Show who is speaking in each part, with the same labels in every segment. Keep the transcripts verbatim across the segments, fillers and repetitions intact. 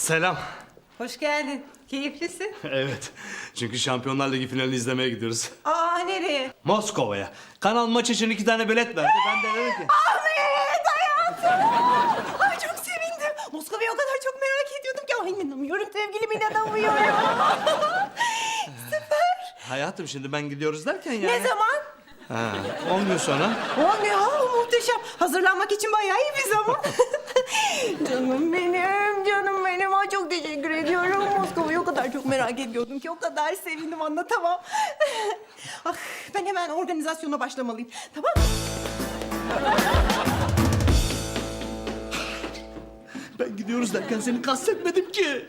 Speaker 1: Selam.
Speaker 2: Hoş geldin. Keyiflisin.
Speaker 1: Evet. Çünkü Şampiyonlar Ligi finalini izlemeye gidiyoruz.
Speaker 2: Aa, nereye?
Speaker 1: Moskova'ya. Kanal maç için iki tane bilet verdi. Ben de dedim ki...
Speaker 2: Ahmet hayatım. Ay çok sevindim. Moskova'yı o kadar çok merak ediyordum ki. Ay inanamıyorum sevgilim, inanamıyorum. Süper.
Speaker 1: Hayatım şimdi ben gidiyoruz derken yani...
Speaker 2: Ne zaman?
Speaker 1: Ha, on gün sonra.
Speaker 2: O ne ha, muhteşem. Hazırlanmak için bayağı iyi bir zaman. Canım benim, canım benim. Ay çok teşekkür ediyorum. Moskova'yı o kadar çok merak ediyordum ki, o kadar sevindim, anlatamam. Ah, ben hemen organizasyona başlamalıyım. Tamam mı?
Speaker 1: Ben gidiyoruz derken seni kastetmedim ki.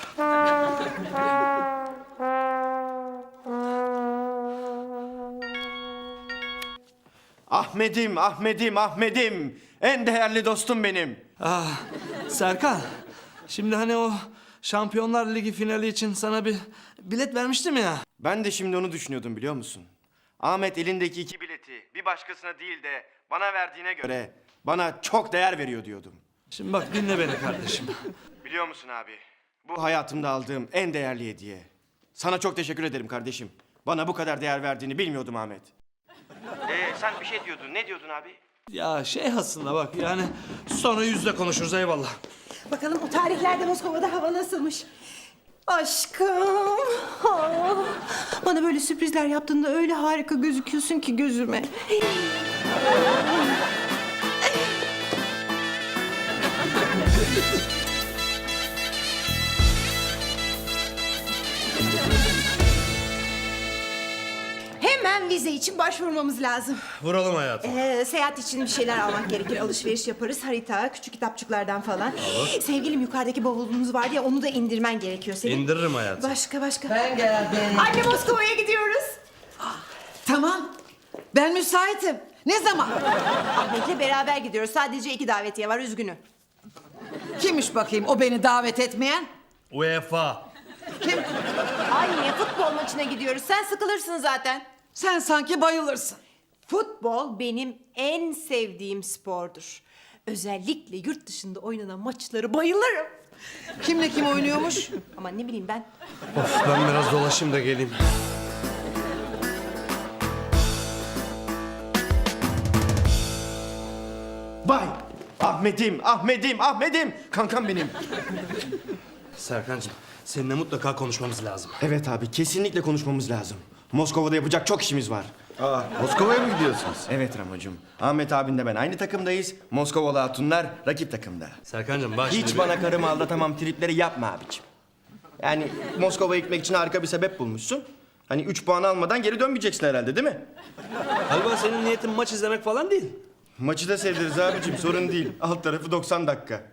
Speaker 3: Ahmet'im, Ahmet'im, Ahmet'im. En değerli dostum benim.
Speaker 1: Ah, Serkan. Şimdi hani o Şampiyonlar Ligi finali için sana bir bilet vermiştim ya.
Speaker 3: Ben de şimdi onu düşünüyordum biliyor musun? Ahmet elindeki iki bileti bir başkasına değil de bana verdiğine göre bana çok değer veriyor diyordum.
Speaker 1: Şimdi bak dinle beni kardeşim.
Speaker 3: Biliyor musun abi? Bu hayatımda aldığım en değerli hediye. Sana çok teşekkür ederim kardeşim. Bana bu kadar değer verdiğini bilmiyordum Ahmet. Ee, sen bir şey diyordun. Ne diyordun abi?
Speaker 1: Ya şey aslında bak yani sonra yüzde konuşuruz eyvallah.
Speaker 2: Bakalım o tarihlerde Moskova'da hava nasılmış? Aşkım. Ah, bana böyle sürprizler yaptığında öyle harika gözüküyorsun ki gözüme. Hemen vize için başvurmamız lazım.
Speaker 1: Vuralım hayatım.
Speaker 2: Ee, seyahat için bir şeyler almak gerekir. Alışveriş yaparız. Harita, küçük kitapçıklardan falan. Sevgilim, yukarıdaki bavulumuz vardı ya, onu da indirmen gerekiyor senin.
Speaker 1: İndiririm hayatım.
Speaker 2: Başka başka.
Speaker 4: Ben geldim.
Speaker 2: Anne, Moskova'ya gidiyoruz.
Speaker 4: Tamam. Ben müsaitim. Ne zaman?
Speaker 2: Ahmet'le beraber gidiyoruz. Sadece iki davetiye var, üzgünüm.
Speaker 4: Kimmiş bakayım o beni davet etmeyen?
Speaker 1: UEFA.
Speaker 4: Kim?
Speaker 2: Anne, futbol maçına gidiyoruz. Sen sıkılırsın zaten.
Speaker 4: Sen sanki bayılırsın.
Speaker 2: Futbol benim en sevdiğim spordur. Özellikle yurt dışında oynanan maçları bayılırım.
Speaker 4: Kimle kim oynuyormuş?
Speaker 2: Ama ne bileyim ben.
Speaker 1: Of ben biraz dolaşayım da geleyim.
Speaker 3: Vay! Ahmet'im, Ahmet'im, Ahmet'im. Kankam benim.
Speaker 1: Serkancığım seninle mutlaka konuşmamız lazım.
Speaker 3: Evet abi, kesinlikle konuşmamız lazım. Moskova'da yapacak çok işimiz var.
Speaker 5: Aa, Moskova'ya mı gidiyorsunuz?
Speaker 3: Evet Ramocuğum. Ahmet abinle ben aynı takımdayız. Moskovalı hatunlar rakip takımda.
Speaker 1: Serkancığım bak
Speaker 3: Hiç
Speaker 1: şimdi...
Speaker 3: bana karımı aldatamam tripleri yapma abiciğim. Yani Moskova'ya gitmek için harika bir sebep bulmuşsun. Hani üç puan almadan geri dönmeyeceksin herhalde değil mi?
Speaker 1: Galiba senin niyetin maç izlemek falan değil.
Speaker 3: Maçı da sevdiriz abiciğim, sorun değil. Alt tarafı doksan dakika.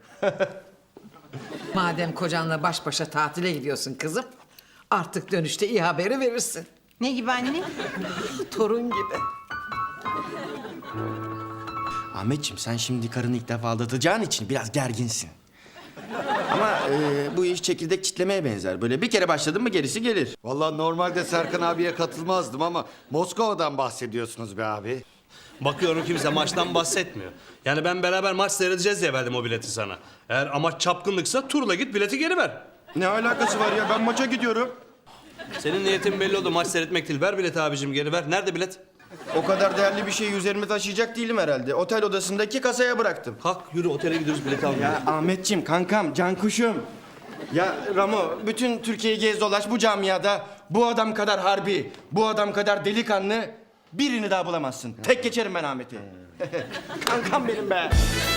Speaker 4: Madem kocanla baş başa tatile gidiyorsun kızım, artık dönüşte iyi haberi verirsin.
Speaker 2: Ne gibi anne?
Speaker 4: Torun gibi.
Speaker 3: Ahmetciğim sen şimdi karını ilk defa aldatacağın için biraz gerginsin. Ama e, bu iş çekirdek çitlemeye benzer. Böyle bir kere başladın mı gerisi gelir.
Speaker 5: Vallahi normalde Serkan abiye katılmazdım ama Moskova'dan bahsediyorsunuz be abi.
Speaker 1: Bakıyorum kimse maçtan bahsetmiyor. Yani ben beraber maç seyredeceğiz diye verdim o bileti sana. Eğer amaç çapkınlıksa turla git bileti geri ver.
Speaker 3: Ne alakası var ya, ben maça gidiyorum.
Speaker 1: Senin niyetin belli oldu, maç seyretmek değil. Ver bileti abicim, geri ver. Nerede bilet?
Speaker 3: O kadar değerli bir şeyi üzerime taşıyacak değilim herhalde. Otel odasındaki kasaya bıraktım.
Speaker 1: Kalk yürü, otele gidiyoruz, bileti almaya.
Speaker 3: Ya Ahmetciğim, kankam, can kuşum. Ya Ramo, bütün Türkiye'yi gez dolaş, bu camiada bu adam kadar harbi, bu adam kadar delikanlı birini daha bulamazsın. Tek geçerim ben Ahmet'i. Kankam benim be.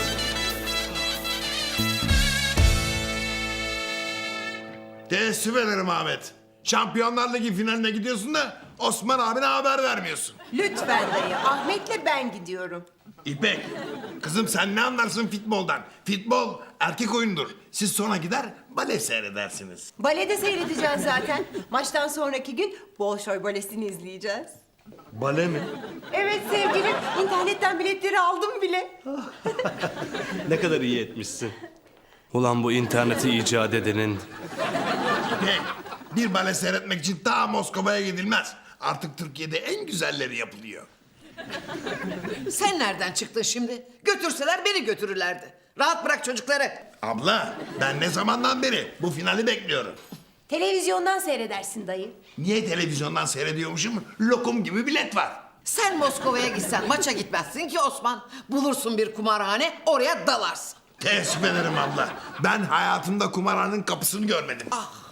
Speaker 6: Teessüf ederim Ahmet. Şampiyonlar Ligi finaline gidiyorsun da Osman abine haber vermiyorsun.
Speaker 2: Lütfen dayı. Ahmet'le ben gidiyorum.
Speaker 6: İpek, kızım sen ne anlarsın futboldan? Futbol erkek oyundur. Siz sonra gider bale seyredersiniz.
Speaker 2: Balede seyredeceğiz zaten. Maçtan sonraki gün Bolşoy Balesi'ni izleyeceğiz.
Speaker 1: Bale mi?
Speaker 2: Evet sevgilim. İnternetten biletleri aldım bile.
Speaker 1: Ne kadar iyi etmişsin. Ulan bu interneti icat edenin...
Speaker 6: İpek, bir bale seyretmek için ta Moskova'ya gidilmez. Artık Türkiye'de en güzelleri yapılıyor.
Speaker 4: Sen nereden çıktın şimdi? Götürseler beni götürürlerdi. Rahat bırak çocukları.
Speaker 6: Abla ben ne zamandan beri bu finali bekliyorum.
Speaker 2: Televizyondan seyredersin dayı.
Speaker 6: Niye televizyondan seyrediyormuşum? Lokum gibi bilet var.
Speaker 4: Sen Moskova'ya gitsen maça gitmezsin ki Osman. Bulursun bir kumarhane, oraya dalarsın.
Speaker 6: Teessüf ederim abla. Ben hayatımda kumarhanenin kapısını görmedim.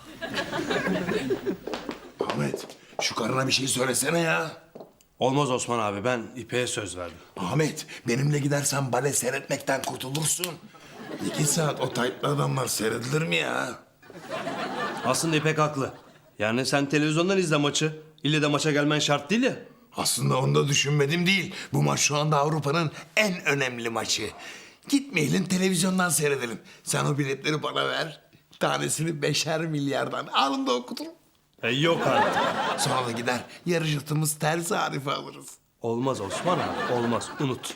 Speaker 6: Ahmet şu karına bir şey söylesene ya.
Speaker 1: Olmaz Osman abi, ben İpek'e söz verdim.
Speaker 6: Ahmet benimle gidersen bale seyretmekten kurtulursun. İki saat o taytlı adamlar seyredilir mi ya?
Speaker 1: Aslında İpek haklı. Yani sen televizyondan izle maçı. İlle de maça gelmen şart değil ya.
Speaker 6: Aslında onu da düşünmedim değil. Bu maç şu anda Avrupa'nın en önemli maçı. Gitmeyelim televizyondan seyredelim. Sen o biletleri bana ver. Tanesini beşer milyardan anında okuturum.
Speaker 1: E, yok artık.
Speaker 6: Sonra da gider yarış atımız ters harife alırız.
Speaker 1: Olmaz Osman abi, olmaz. Unut.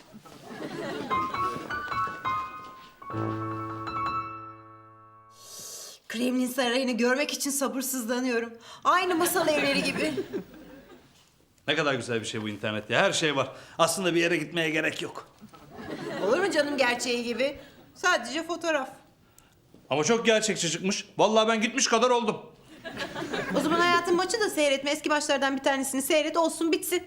Speaker 2: Kremlin Sarayı'nı görmek için sabırsızlanıyorum. Aynı masal evleri gibi.
Speaker 1: Ne kadar güzel bir şey bu internet ya. Her şey var. Aslında bir yere gitmeye gerek yok.
Speaker 2: Olur mu canım gerçeği gibi? Sadece fotoğraf.
Speaker 1: Ama çok gerçekçi çıkmış. Vallahi ben gitmiş kadar oldum.
Speaker 2: O zaman hayatın maçı da seyretme. Eski maçlardan bir tanesini seyret olsun bitsin.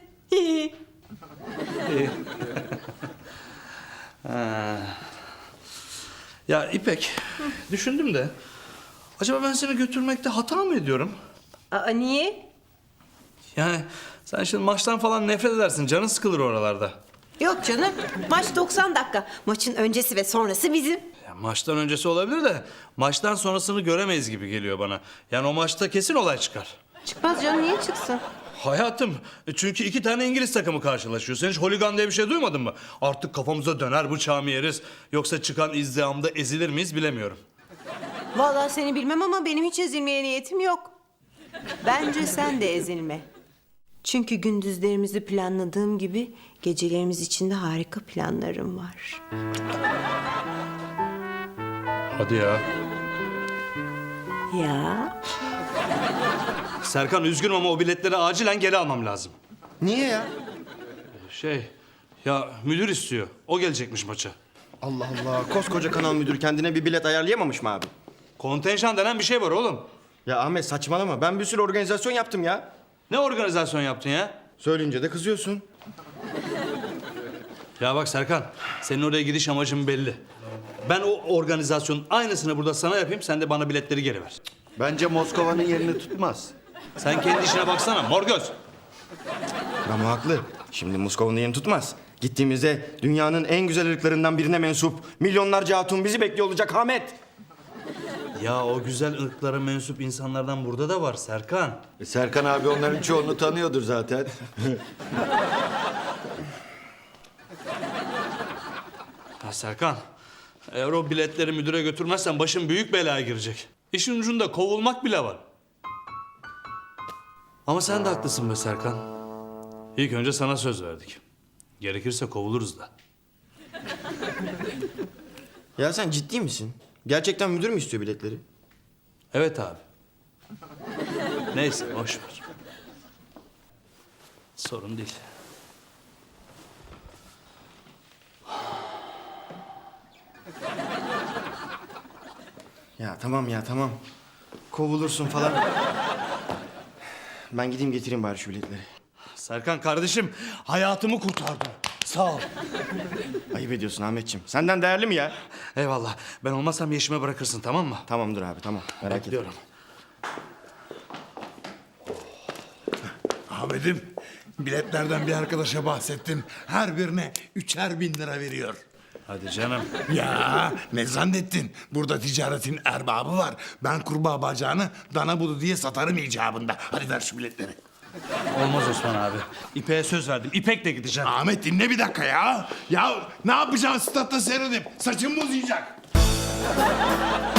Speaker 1: Ya İpek, düşündüm de... Acaba ben seni götürmekte hata mı ediyorum?
Speaker 2: Aa niye?
Speaker 1: Yani sen şimdi maçtan falan nefret edersin. Canın sıkılır oralarda.
Speaker 2: Yok canım. Maç doksan dakika. Maçın öncesi ve sonrası bizim.
Speaker 1: Ya maçtan öncesi olabilir de... Maçtan sonrasını göremeyiz gibi geliyor bana. Yani o maçta kesin olay çıkar.
Speaker 2: Çıkmaz canım niye çıksın?
Speaker 1: Hayatım, çünkü iki tane İngiliz takımı karşılaşıyor. Sen hiç holigan diye bir şey duymadın mı? Artık kafamıza döner bıçağı mı yeriz? Yoksa çıkan izdihamda ezilir miyiz bilemiyorum.
Speaker 2: Vallahi seni bilmem ama benim hiç ezilmeye niyetim yok. Bence sen de ezilme. Çünkü gündüzlerimizi planladığım gibi gecelerimiz için de harika planlarım var.
Speaker 1: Hadi ya.
Speaker 2: Ya
Speaker 1: Serkan üzgünüm ama o biletleri acilen geri almam lazım.
Speaker 3: Niye ya?
Speaker 1: Şey, ya müdür istiyor. O gelecekmiş maça.
Speaker 3: Allah Allah. Koskoca kanal müdürü kendine bir bilet ayarlayamamış mı abi?
Speaker 1: Kontenjan denen bir şey var oğlum.
Speaker 3: Ya Ahmet saçmalama. Ben bir sürü organizasyon yaptım ya.
Speaker 1: Ne organizasyon yaptın ya?
Speaker 3: Söyleyince de kızıyorsun.
Speaker 1: Ya bak Serkan, senin oraya gidiş amacın belli. Ben o organizasyonun aynısını burada sana yapayım, sen de bana biletleri geri ver.
Speaker 5: Bence Moskova'nın yerini tutmaz.
Speaker 1: Sen kendi işine baksana, mor göz.
Speaker 3: Ramo haklı. Şimdi Moskova'nın yerini tutmaz. Gittiğimizde dünyanın en güzel ırklarından birine mensup milyonlarca hatun bizi bekliyor olacak Ahmet.
Speaker 1: Ya o güzel ırklara mensup insanlardan burada da var Serkan.
Speaker 5: E, Serkan abi onların çoğunu tanıyordur zaten.
Speaker 1: Ya Serkan, eğer o biletleri müdüre götürmezsen başın büyük belaya girecek. İşin ucunda kovulmak bile var. Ama sen de haklısın be Serkan. İlk önce sana söz verdik. Gerekirse kovuluruz da.
Speaker 3: Ya sen ciddi misin? Gerçekten müdür mü istiyor biletleri?
Speaker 1: Evet abi. Neyse boş ver. Sorun değil.
Speaker 3: Ya tamam ya tamam. Kovulursun falan. Ben gideyim getireyim bari şu biletleri.
Speaker 1: Serkan kardeşim hayatımı kurtardın. Sağ ol.
Speaker 3: Ayıp ediyorsun Ahmetciğim. Senden değerli mi ya?
Speaker 1: Eyvallah. Ben olmazsam yeşime bırakırsın tamam mı?
Speaker 3: Tamamdır abi tamam. Merak etme.
Speaker 1: Bekliyorum.
Speaker 6: Ahmet'im biletlerden bir arkadaşa bahsettim. Her birine üçer bin lira veriyor.
Speaker 1: Hadi canım.
Speaker 6: Ya ne zannettin? Burada ticaretin erbabı var. Ben kurbağa bacağını dana budu diye satarım icabında. Hadi ver şu biletleri.
Speaker 1: Olmaz Osman abi. İpek'e söz verdim. İpek'le gideceğim.
Speaker 6: Ahmet dinle bir dakika ya. Ya ne yapacağım statta seyredip? Saçım mı uzayacak?